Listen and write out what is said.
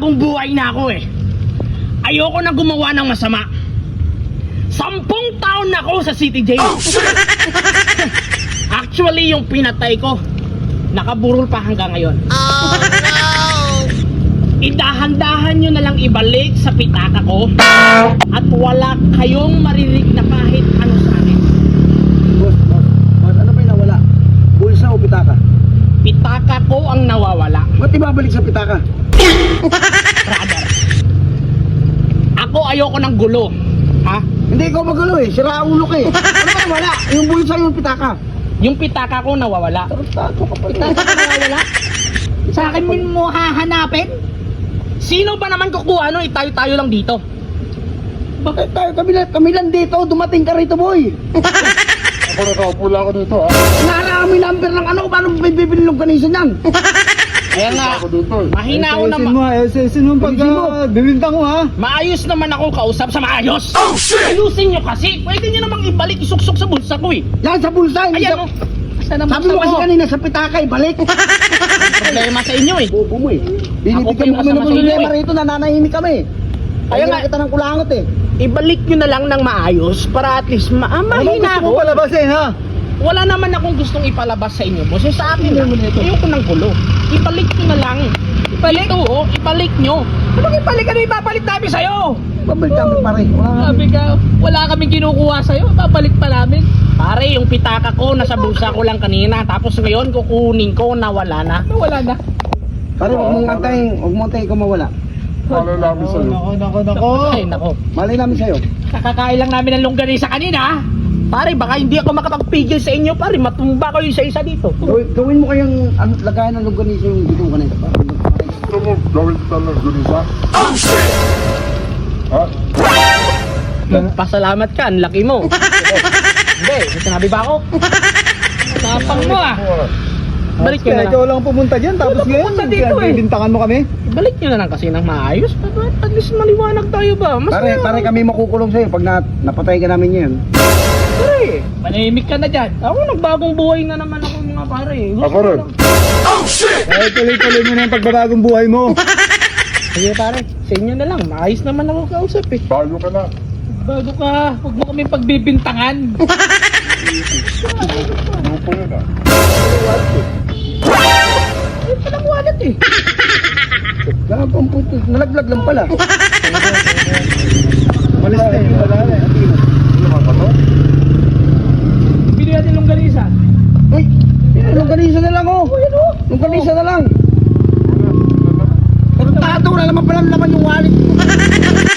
bagong buhay na ako eh. Ayoko na gumawa ng masama. 10 taon na ako sa City Jail. Actually, yung pinatay ko, nakaburol pa hanggang ngayon. Oh no! Idahan-dahan nyo na lang ibalik sa pitaka ko at wala kayong marinig na kahit ano sa akin. Boss, ano ba yung nawala? Bulsa o pitaka? Pitaka ko ang nawawala. Ba't ibabalik sa pitaka? Brother, ako ayoko ng gulo. Ha? Hindi ikaw magulo eh, sira ulo ka eh. Ano ba nawala? Yung bulsa yung pitaka. Yung pitaka ko nawawala. Tarantado ka pa rin. Pitaka ko nawawala? Sa akin mo hahanapin? Sino ba naman kukuha no? Tayo-tayo lang dito. Bakit tayo kami lang dito? Dumating ka rito, boy. Ako nakaupo lang ako dito, ha? Narami number ng ano, paano bibili ng kanisa niyan? Kaya nga, Ako dito, eh. mahina ako naman. Ayusin mo pag bibintang mo ha. Maayos naman ako kausap sa maayos. Oh, shit! Ayusin nyo kasi. Pwede nyo namang ibalik isuksok sa bulsa ko eh. Yan sa bulsa. Hindi Ayan sa... o. Saan ang Sabi mo bulsa kasi mo? kanina sa pitaka eh, balik. Problema sa inyo eh. Bobo mo eh. Ako pa Binibigyan yung mo kami ng kasama sa inyo problema eh. rito, nananahimik kami. Kaya nga, kita ng kulangot eh. ibalik nyo na lang ng maayos para at least mahina ako. palabasin ha? Wala naman akong gustong ipalabas sa inyo, boss. Sa akin lang, ayoko ng gulo. Ibalik nyo na lang. Ibalik? Ito, oh, ibalik nyo. Anong ibalik? Ano ipapalit namin sa'yo? Babalik kami pare. Sabi ka, wala kaming kinukuha sa'yo. Papalit pa namin. Pare, yung pitaka ko, nasa bulsa ko lang kanina. Tapos ngayon, kukunin ko, nawala na. Nawala na. Pare, huwag mong antayin kung mawala. Malalaman sa'yo. Ay, nako. Malay namin sa'yo. Kakakain lang namin ng longganisa kanina. Pare, baka hindi ako makapagpigil sa inyo, pare. Matumba kayo isa-isa dito. Gawin mo kayang lagayan ng longganisa yung dito kanina. Gusto mo gawin kita ng gunisa? Ha? Pasalamat ka, ang laki mo. Hindi, may sinabi ba ako? Tapang mo ah. Balik nyo na lang. Ikaw lang pumunta dyan, tapos ngayon, pumunta dito eh. bibintangan mo kami. Balik nyo na lang kasi ng maayos. At least maliwanag tayo ba? Mas Pare kami makukulong sa'yo pag napatay ka namin ngayon. Pare, manahimik ka na dyan. Ako nagbagong buhay na naman ako mga pare. Gusto Ako rin. ko lang. Ay, tuloy-tuloy mo na yung pagbabagong buhay mo. Sige pare, sa inyo na lang. Maayos naman ako kausap eh. Bago ka na. Bago ka, huwag mo kami pagbibintangan. Grupo yun, ha? Ay, palang wallet eh. Gagawin puto, nalaglag lang pala. Malis na yun, wala na. Hindi naman pa to? Bili natin longganisa. Uy, longganisa na lang oh. Longganisa na lang. Tarantado, wala naman pala laman yung wallet.